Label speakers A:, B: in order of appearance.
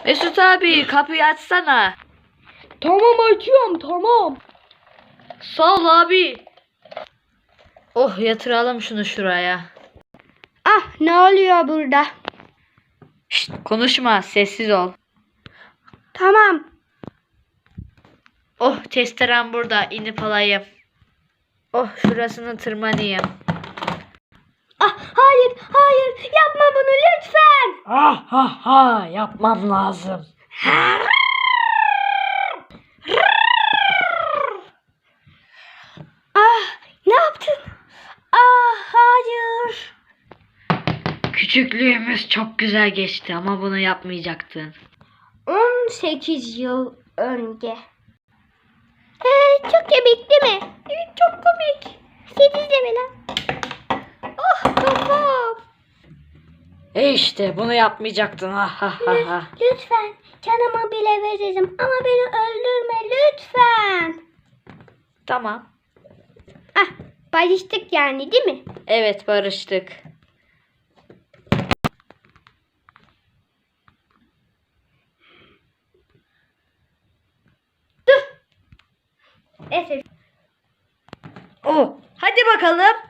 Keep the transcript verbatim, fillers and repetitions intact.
A: Mesut abi kapıyı açsana.
B: Tamam açıyorum tamam.
A: Sağ ol abi. Oh yatıralım şunu şuraya.
B: Ah ne oluyor burada?
A: Şşt, konuşma sessiz ol.
B: Tamam.
A: Oh testerem burada inip alayım. Oh şurasını tırmanayım.
B: Ah hayır hayır yapma bunu lütfen.
A: Ah ha ha yapmam lazım.
B: Ah ne yaptın? Ah hayır.
A: Küçüklüğümüz çok güzel geçti ama bunu yapmayacaktın.
B: on sekiz yıl önce. Ee, çok komik değil mi? Evet çok komik. sekiz de mi lan? Ah kafam.
A: E işte bunu yapmayacaktın. Ha ha ha ha.
B: Lütfen canımı bile veririm ama beni öldürme lütfen.
A: Tamam.
B: Ah barıştık yani değil mi?
A: Evet barıştık.
B: Neyse.
A: Oh hadi bakalım.